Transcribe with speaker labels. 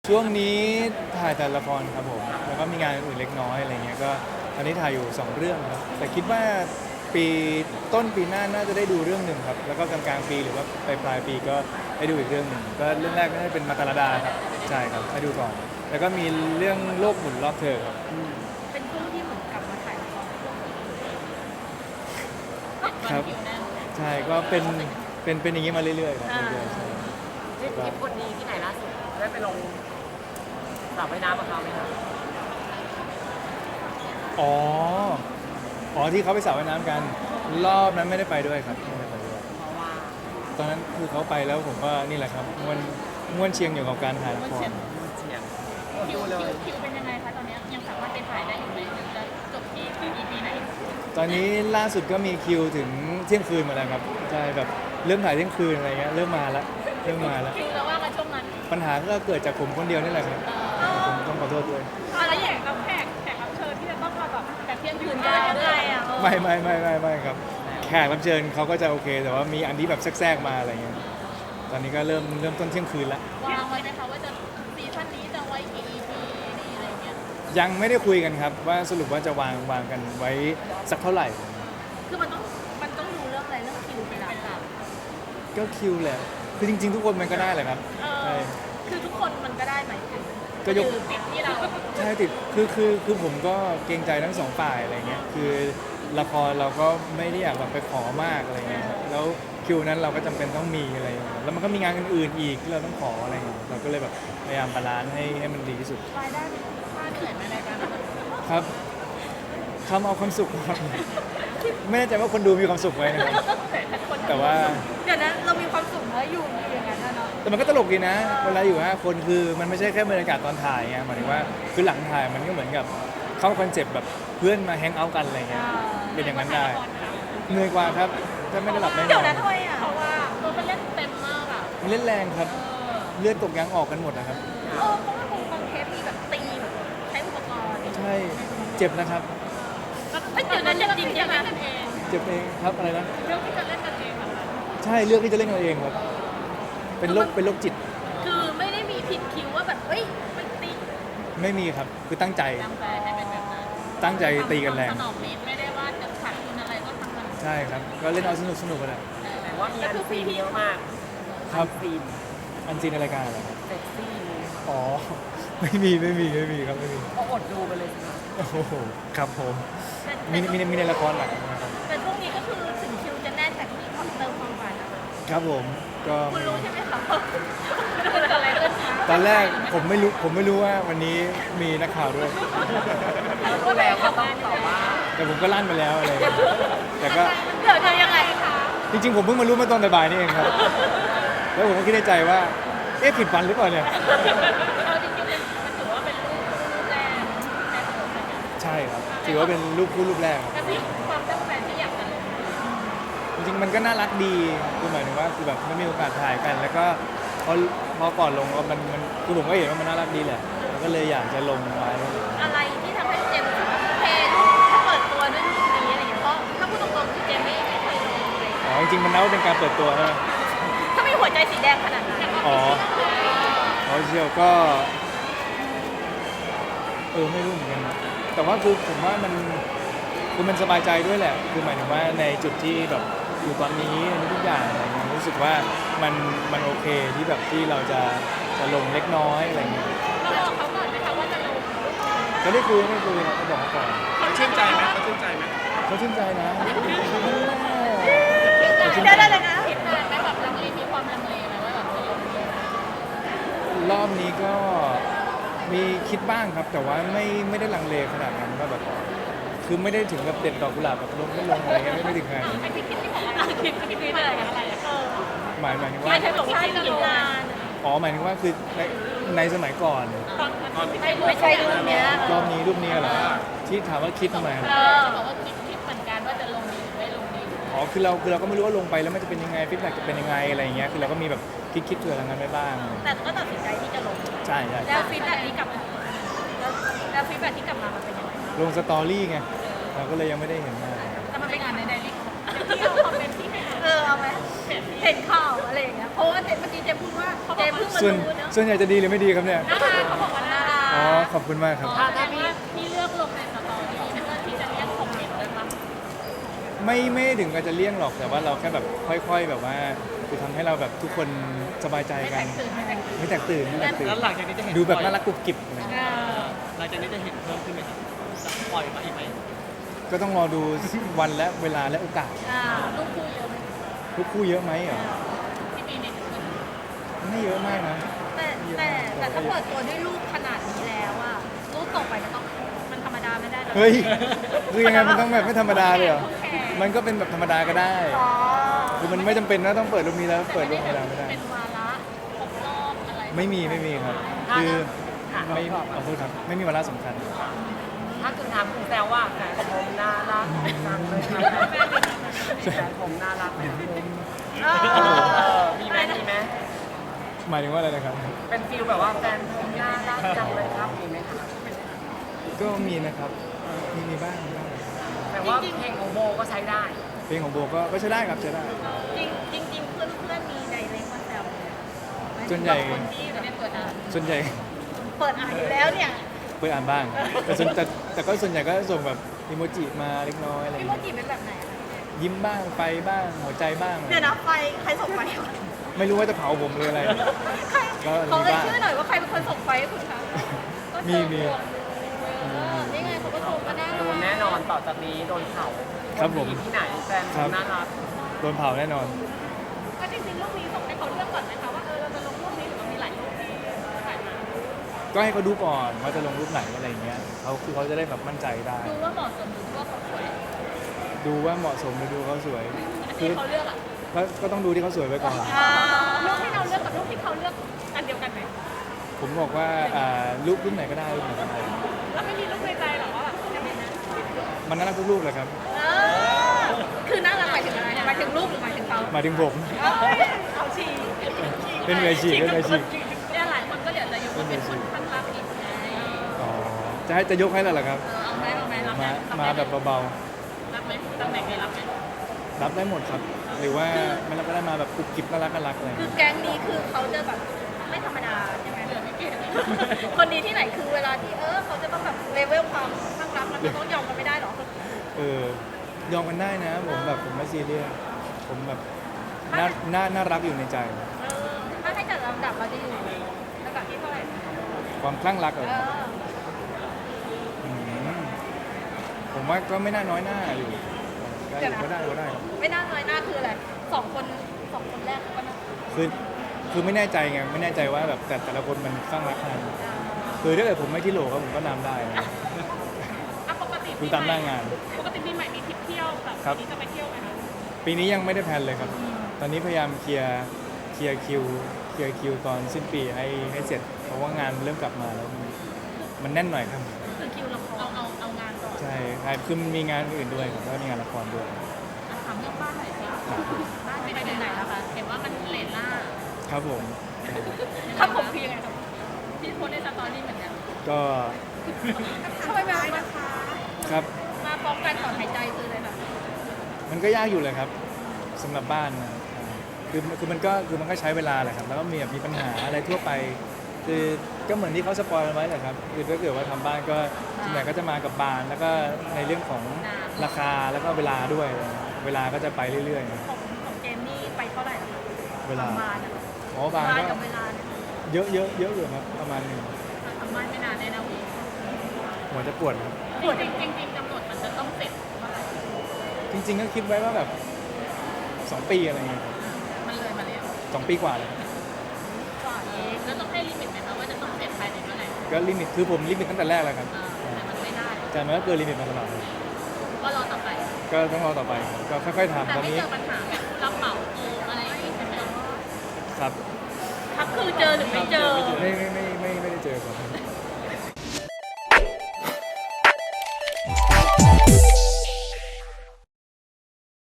Speaker 1: ช่วงนี้ถ่ายแต่ละครครับผมแล้วก็มีงานอื่นเล็กน้อยอะไรเงี้ยก็ตอนนี้ถ่ายอยู่2เรื่องครับแต่คิดว่าปีต้นปีหน้าน่าจะได้ดูเรื่องหนึ่งครับแล้วก็กลางปีหรือว่าปลายปีก็ได้ดูอีกเรื่องหนึ่งก็เรื่องแรกก็จะเป็นมาตาลาดาครับใช่ครับให้ดูก่อนแล้วก็มีเรื่องโลกหมุนรอบเธอครับ
Speaker 2: เป็นช่วงที่เหมือนกลับมาถ่ายละคร
Speaker 1: ครับใช่ก็เป็นอย่างนี้มาเรื่อยๆครับเรื่อยๆใช่
Speaker 3: ทริปคนดีที่ไหนล่าสุดได้ไปลงสระว่ายน้ำกับเขาไหมคะ
Speaker 1: อ๋อที่เขาไปสระว่ายน้ำกันรอบนั้นไม่ได้ไปด้วยครับไม่ได้ไปด้วย
Speaker 3: เพราะว่า
Speaker 1: ตอนนั้นคือเขาไปแล้วผมก็นี่แหละครับม่วนเชียงอยู่กับการถ่ายละคร
Speaker 3: เฉียง
Speaker 2: คิ
Speaker 3: ดู
Speaker 2: ว
Speaker 3: เลย
Speaker 2: เป็นยังไงคะตอนนี้ยังสามารถไปถ่ายได้อยู่ไหมหรือจะจบที่ EP ไหน
Speaker 1: ตอนนี้ล่าสุดก็มีคิวถึงเที่ยงคืนมาแล้วครับใช่แบบเริ่มถ่ายเที่ยงคืนอะไรเงี้ยเริ่มมาแล้ว
Speaker 2: คิวแล้วว่ากันช่วงนั้น
Speaker 1: ปัญหาก็เกิดจากผมคนเดียวนี่แหละครับผมต้องขอโทษด้วย
Speaker 2: แล้วอย่างกับแขกรับเชิญที่จะต้องมาแบบแต่เที่ยงคืนยาวด้วยอ่ะ
Speaker 1: ไม่ครับแขกรับเชิญเขาก็จะโอเค แต่ว่ามีอันที่แบบแทรกๆมาอะไรเงี้ยตอนนี้ก็เริ่มต้นเที่ยงคืนแล้ว
Speaker 2: วางไว้ไหมคะว่าจะซีซั่นนี้จะไว้กี่ EP นี่อะไรเงี้ย
Speaker 1: ยังไม่ได้คุยกันครับว่าสรุปว่าจะวางกันไว้สักเท่าไหร่
Speaker 2: คือมันต้องดูเรื่องอะไรเรื่องคิวเป็นหลัก
Speaker 1: ก็คิวแหละคือจริงๆทุกคนมันก็ได้แหละครับใช่
Speaker 2: คือทุกคนมันก็ได้ไหมถึง
Speaker 1: ก็ยก
Speaker 2: ติดที่เรา
Speaker 1: ใช่ติดคือผมก็เกรงใจทั้งสองฝ่ายอะไรเงี้ยคือละครเราก็ไม่ได้อยากแบบไปขอมากอะไรเงี้ยแล้วคิวนั้นเราก็จำเป็นต้องมีอะไรเงี้ยแล้วมันก็มีงานอื่นๆอีกที่เราต้องขออะไรเงี้ยเราก็เลยแบบพยายามบาลานซ์ให้มันดีที่สุด
Speaker 2: รายได้ค่าเหนื่อยไหมรายการนั้น
Speaker 1: ครับทำเอาความสุขครับไม่แน่ใจว่าคนดูมีความสุขไหมนะครับแต่ว่า
Speaker 2: เดี๋ยวนะเรามีความสุขแล้วอยู่อย่างนั้นนะเนาะ
Speaker 1: แต่มันก็ตลกดีนะเวลาอยู่5คนคือมันไม่ใช่แค่บรรยากาศตอนถ่ายไงหมายถึงว่าคือหลังถ่ายมันก็เหมือนกับเข้าคอนเซ็ปต์แบบเพื่อนมาแฮงเอาท์กันอะไรเงี้ยเป็นอย่างนั้นได้เหนื่อยกว่าครับถ้าไม่ได้หลับไม่น
Speaker 2: เดี๋ย
Speaker 1: อ
Speaker 2: วน นะทำไมอ่ะเพราะว่ามันเล่นเต็มมากอ่ะ
Speaker 1: มันเล่นแรงครับเลือดตกยางออกกันหมดนะครับ
Speaker 2: เพราะว่าบางเทปมีแบบตีแบบใช้อุปกรณ์
Speaker 1: ใช่เจ็บนะครับ
Speaker 2: ไม่เดี๋ยวนั้นจริงใช่ไหม
Speaker 1: เจ็บเองครับอะไรนะ
Speaker 2: เรื่องที่จะเล่นกันเองอะ
Speaker 1: ใช่เลือกที่จะเล่นกันเองครับเป็นโรคจิต
Speaker 2: คือไม่ได้มีผิดคิวว่าแบบเฮ้ยไปตี
Speaker 1: ไม่มีครับคือตั้งใจ
Speaker 2: ตั้งใจให้เป็นแบบนั้น
Speaker 1: ตั้งใจตีกันแรง
Speaker 2: สนองนิดไม่ได้ว่าจะขาดทุนอะไรก็ทำมัน
Speaker 1: ใช่ครับก็เล่นเอาสนุกกันแหละ
Speaker 3: แต่ว่ามีอันซีนเยอะมาก
Speaker 1: ครับ
Speaker 3: ซีน
Speaker 1: อันซีนในรายการอะไรครับ
Speaker 3: เซ็กซี่
Speaker 1: อ๋อ ไม่มีครับไม่มี
Speaker 3: ก็อดดูไปเลยสิคะ
Speaker 1: โอ้โหครับผมมีในละครหลักนะครับ
Speaker 2: แต่ช่วงนี้ก็คือถึงคิวจะแน่นแต่ก็มีความเติมความหวานนะคะ
Speaker 1: ครับผมก็
Speaker 2: คุณรู้ใช่ไหมคะเกิดอะไรขึ้นคะ
Speaker 1: ตอนแรกผมไม่รู้ว่าวันนี้มีนักข่าวด้วย
Speaker 3: แล้วรู้แล้วก็ต้องตอบว่า
Speaker 1: แต่ผมก็ลั่นไปแล้วอะไรอย่างเงี้ยแต่ก็
Speaker 2: เดี๋ยวจะยังไงคะ
Speaker 1: จริงๆผมเพิ่งมารู้เมื่อตอนบ่ายๆนี่เองครับ แล้วผมก็คิดในใจว่าเอ๊ะผิดฝันหรือเปล่าเนี่ย
Speaker 2: เอาจริงๆมันถือว่าเป็นรูปแรกในประวัติศาสตร์
Speaker 1: ใช่ครับถือว่าเป็นรูปคู่รูปแรกครับ
Speaker 2: แต่ที่ความตั้งใจที่อยากจะลง
Speaker 1: จริงๆมันก็น่ารักดีคือหมายถึงว่าคือแบบไม่มีโอกาสถ่ายกัน แล้วก็พอก่อนลงก็มันคือผมก็เห็นว่ามันน่ารักดีแหละแล้วก็เลยอยากจะลงไว้
Speaker 2: อะไรที่ทำให้เจมส์รู้สึกว่าโอเคถ้าเปิดตัวด้วยรูปนี้อะไรอย่างเงี้ยเพราะถ้าพูดตรงๆคือเจมส์ไม่เคยลงเลย
Speaker 1: อ๋อจริงๆมันนับว่าเป็นการเปิดตัวใช่ไหม
Speaker 2: ถ้าไม่หัวใจสีแดงขนาดนั้น
Speaker 1: อ๋อเชียวก็ไม่รู้เหมือนกันนะแต่ว่าคือผมว่ามันสบายใจด้วยแหละคือหมายถึงว่าในจุดที่แบบอยู่ตอนนี้ทุกอย่างอะไรเงี้ยรู้สึกว่ามันโอเคที่แบบที่เราจะลงเล็กน้อยอะไรเงี้ย
Speaker 2: เราบอกเขาก่อนไหมคะว่าจะลง
Speaker 1: ก็ได้คุยครับก็บอกเขาก่อน
Speaker 3: เขาชื่นใจไหมเขาชื่นใจไหม
Speaker 1: เขาชื่นใจนะ
Speaker 2: ได้เลยนะคิดนานไหมแบบลังเลมีความลังเลไหมว่าแบบจะลงดี
Speaker 1: รอบนี้ก็มีคิดบ้างครับ แต่ว่าไม่ได้ลังเลขนาดนั้นว่าแบบคือไม่ได้ถึงกับเด็ดดอกกุหลาบแบบลงไม่ลงอะไรเงี้ยไม่ถึงขนาดนั้น
Speaker 2: ไอ้ที่คิดที่บอกว่าคิดอะไรกันอะไรอ่ะ
Speaker 1: หมายถึงว่า
Speaker 2: ไม่ใช่บอกว่าคิดจะลงงาน
Speaker 1: อ๋อหมายถึงว่าคือในสมัยก่อน
Speaker 2: ไม่ใช่รูปเนี้ย
Speaker 1: รอบนี้รูปนี้เหรอที่ถามว่าคิดทำไม
Speaker 2: จะบอกว่าคิดเหมือนกันว่าจะลงดีหรือไม่ลงดี
Speaker 1: อ๋อคือเราก็ไม่รู้ว่าลงไปแล้วมันจะเป็นยังไงฟีดแบ็กจะเป็นยังไงอะไรอย่างเงี้ยคือเราก็มีแบบคิดเผื่อทางนั้นไว้บ้าง
Speaker 2: แต่ก็ตัดสินใจที่จะลง
Speaker 1: ใช่
Speaker 2: แล้วฟีดแบ็กที่กลับมาแล้วฟีดแบ็กที่กลับมามันเป็นยังไง
Speaker 1: ลงสตอรี่ไงเราก็เลยยังไม่ได้เห็นมา
Speaker 2: แต่มันเป็นงานในไดเรกที่เอาคอมเมนต์ที่ให้เอาไหมเห็นข่าวอะไรอย่างเงี้ยเพราะว่าเมื่อกี้เจมพูดว่าเจมเพิ่งมา
Speaker 1: ส่วน
Speaker 2: รู้เนอะ
Speaker 1: ส่วนใหญ่จะดีหรือไม่ดีครับเนี่ย
Speaker 2: น่ารักเขาบอกว่าน่ารัก
Speaker 1: อ๋อขอบคุณมากครับ
Speaker 2: ถ้าพี่เลือกลงในสตอรี่เพื่อที่จะเรียกคอมเมนต์ด้วยมั้ง
Speaker 1: ไม่ถึงกับจะเลี่ยงหรอกแต่ว่าเราแค่แบบค่อยๆแบบว่าคือทำให้เราแบบทุกคนสบายใจ
Speaker 2: ไม่
Speaker 1: กั
Speaker 2: แต
Speaker 1: น
Speaker 2: กตื่นไม่แตกตื่น
Speaker 1: ไม่แตกตื่นไม่แตกตื่น
Speaker 4: แล้วหลังจากนี้จะเห็น
Speaker 1: ดูแบบน่ารักกุบกิบอะไรเงี้ย
Speaker 4: หลังจากนี้จะเห็นเพิ่มขึ้นไหมครับจะปล่อยมาอีกไหม
Speaker 1: ก็ต้องรอดูวันและเวลาและโอกาส
Speaker 2: ลูกคู่เยอะไหม
Speaker 1: ทุกคู่เยอะไหมเหรอ
Speaker 2: ที่ปีนี้
Speaker 1: ไม่เยอะมากนะ
Speaker 2: แต่ถ้าเปิดตัวด้วยลูกขนาดนี้แล้วอะลูกต่อไปมันต้องมันธรรมดาไม่ได้หรอ
Speaker 1: เฮ้ยคือยังไงมันต้องแบบไม่ธรรมดาเลยเหรอ
Speaker 2: แขก
Speaker 1: มันก็เป็นแบบธรรมดาก็ได้
Speaker 2: อ๋อ
Speaker 1: คือมันไม่จำเป็นนะต้องเปิดรูปนี้แล้วเปิดรูปธรรมดาไม่ได้
Speaker 2: เป็นวาระครบรอบอะไร
Speaker 1: ไม่มีครับ คือไม่ขอโทษครับไม่มีวาระสำคัญ
Speaker 3: ถ้าคุณถามคุณแซวว่าแฟนผมน่ารักจังเลยครับแฟนผมน่ารักแบบผม มีไหมมีไหม
Speaker 1: หมายถึงว่าอะไรนะครับ
Speaker 3: เป็นฟิลแบบว่าแฟนผมน่ารักจังเลยครับมีไหมคะ
Speaker 1: ก็มีนะครับมีบ้าง
Speaker 3: แต่ว่าเพลงของโบก็ใช้ได้
Speaker 1: เพลงของโบก็ใช้ได้ครับใช้ได้
Speaker 2: จริงเพื่อนมีไดเรกมาแซว
Speaker 1: ส่วนใหญ่
Speaker 2: คนที่ไม่ได้เปิดอ่าน
Speaker 1: ส่วนใหญ่
Speaker 2: เปิดอ่านอยู่แล้วเนี่ย
Speaker 1: เปิดอ่านบ้าง แต่ก็ส่วนใหญ่ก็ส่งแบบอีโมจิมาเล็กน้อยอะไรอย่าง
Speaker 2: พี่โม
Speaker 1: เงี้ย
Speaker 2: จิเป็นแบบไหนอะ
Speaker 1: ยิ้มบ้างไฟบ้างหัวใจบ้างอะไร
Speaker 2: เดี๋ยวนะไฟใครส่งไฟให้
Speaker 1: ไม่รู้ว่าจะเผาผมหรืออะไร
Speaker 2: ใคร
Speaker 1: ก็
Speaker 2: เขา
Speaker 1: มี
Speaker 2: เอ่ย
Speaker 1: บ้าง
Speaker 2: ชื่อหน่อยว่าใครเป็นคนส่งไฟให้คุณคะก็เจอ
Speaker 1: มี
Speaker 2: นี่ไงเขาก็ส่งก็ได้
Speaker 3: โดนแน่นอนต่อจากนี้โดนเผา
Speaker 1: ครับผม
Speaker 3: นดีที่ไหนแฟนผมน่ารัก
Speaker 1: โดนเผาแน่นอน
Speaker 2: ก็จริงๆรูปนี้ส่งให้เขาเลือกก่อนไหมคะว่าเราจะลงรูปนี้หรือว่ามีหลายรูปที่ถ่ายมา
Speaker 1: ก็ให้เขาดูก่อนว่าจะลงรูปไหนอะไรอย่างเงี้ยเขาจะได้แบบมั่นใจได้
Speaker 2: ดูว่าเหมาะสมหรือว่าเขาสวย
Speaker 1: ดูว่าเหมาะสมหรือดูเขาสวย
Speaker 2: อัน
Speaker 1: คื
Speaker 2: ที่
Speaker 1: อ
Speaker 2: เขาเลือกอ่ะ
Speaker 1: ก็ต้องดูที่เขาสวยไว้ก่อน
Speaker 2: รูปที่เราเลือกกับรูปที่เขาเลือกอันเดียวกันไหม
Speaker 1: ผมบอกว่ารูปไหนก็ได้รูปไหนก็ได้
Speaker 2: แล้วไม่มีรูปในใจหรอว่าแบบจะเป็นนะ
Speaker 1: มันน่ารักทุกรูปเลยครับ
Speaker 2: คือน่ารักหมายถึงอะไรหมายถึงรูปหรือหมายถึงเขา
Speaker 1: หมายถึงผม
Speaker 2: เอาชี
Speaker 1: เป็นเวชีเป็นเวชี
Speaker 2: เนี่ยหลายคนก็เดี๋ยวจะยกว่าเป็นคนข้างรักอีกไง
Speaker 1: อ๋อจะยกให้แล้วเหรอครับ
Speaker 2: เอาไหมรับไหม
Speaker 1: มาแบบเบา
Speaker 2: รับไหมตำแหน่งนี้รับไหม
Speaker 1: ๆรับได้หมดครับ หรือว่าไม่รับก็ได้มาแบบกุบกิบน่ารักอะไรอย่าง
Speaker 2: คือ
Speaker 1: เงี้ย
Speaker 2: แก๊งนี้คือเขาจะแบบไม่ธรรมดาใช่ไหมคนดีที่ไหนคือเวลาที่เขาจะต้องแบบเลเวลความข้างรักมันจะต้องยอมกันไม่ได้หรอ
Speaker 1: ยอมกันได้นะผมไม่ซีเรียสผมแบบน่ารักอยู่ในใจ
Speaker 2: ถ้าให้จัดลำดับเราจะอยู่ลำดับที่เท่าไหร่
Speaker 1: ความคลั่งรักเหรอมผมว่าก็ไม่น่าน้อยหน้าอยู่ก็ได้
Speaker 2: ไม่น่าน้อยหน้าคืออะไรสองคนแรกก็น่า
Speaker 1: คือไม่แน่ใจไงไม่แน่ใจว่าแบบแต่ละคนมันคลั่งรักขนาดไหนคือถ้าเกิดผมไม่ที่โหลครับผมก็นำได้นะ
Speaker 2: ปกติ
Speaker 1: ดูตามหน้างาน
Speaker 2: ปกติปีใหม่มีทริปเที่ยวแบบ
Speaker 1: ครับ
Speaker 2: นี้จะไปเที่ยวไหมคะ
Speaker 1: ปีนี้ยังไม่ได้แพลนเลยครับ ตอนนี้พยายามเคลียร์คิวตอนสิ้นปีให้เสร็จ เพราะว่างานเริ่มกลับมาแล้วมันแน่นหน่อยครับ
Speaker 2: คือคิวเราเอางานก่อน
Speaker 1: ใช่คือมันมีงานอื่นด้วยครับแล้วก็มีงานละครด้วย
Speaker 2: ถามเรื่องบ้านหน่อยสิบ้านไปถึงไหนแล้วคะเห็นว่ามันเลนล่า
Speaker 1: ครับผม
Speaker 2: ครับผมคือยังไงครับพี่โพสในสตอรี่เหมือนกัน
Speaker 1: ก็
Speaker 2: ทำไมมานะคะ
Speaker 1: ครับ
Speaker 2: มาป้องกันต่อหายใจคืออะไรแบบ
Speaker 1: มันก็ยากอยู่เลยครับสำหรับบ้านนะคือมันก็ใช้เวลาแหละครับแล้วก็มีปัญหาอะไรทั่วไป คือก็เหมือนที่เขาสปอยล์ไว้แหละครับคือถ้าเกิดว่าทำบ้านก็ส่วนใหญ่ก็จะมากับบานแล้วก็ในเรื่องของราคาแล้วก็เวลาด้วยเวลาก็จะไปเรื่อยๆนะ
Speaker 2: ของเจมนี่ไปเท่าไหร่แล้วคะ
Speaker 1: เวลา
Speaker 2: บ้านอะ
Speaker 1: อ๋อบาน
Speaker 2: บ้าน
Speaker 1: ก็
Speaker 2: กับเวลาเนี่ย
Speaker 1: เยอะอยู่ครับประมาณหนึง
Speaker 2: ทำบ้านไม่นานแน่นะวี
Speaker 1: หัวจะปวดครับ
Speaker 2: จริงกำหนดมันจะต้องเสร็จเมื่อไหร่
Speaker 1: จริง ๆ ก็คิดไว้ว่าแบบ2 ปีอะไรเงี้ยครับ
Speaker 2: มันเลยมาแล้ว
Speaker 1: 2 ปีกว่าเลยครับ
Speaker 2: ก่อนเองแล้วต้องให้ลิมิตไหมคะว่าจะต้องเสร็จภายในเมื่อไหร่
Speaker 1: ก็ลิมิตคือผมลิมิตตั้งแต่แรกแล้วครับ
Speaker 2: แต่มันไม่ได้
Speaker 1: แต่มันก็เกินลิมิตมาตลอด
Speaker 2: ก็รอต่อไป
Speaker 1: ก็ต้องรอต่อไปครับก็ค่อยๆทำ
Speaker 2: แต่
Speaker 1: ตอน
Speaker 2: ไม่
Speaker 1: นี้
Speaker 2: เจอปัญหาแบบผู้รับเหมาโกงอะไรอย่างงี้ใช่ไหม
Speaker 1: ครับ
Speaker 2: ครับคือเจอหรือไม่เจอ
Speaker 1: ไม่ได้เจอครับ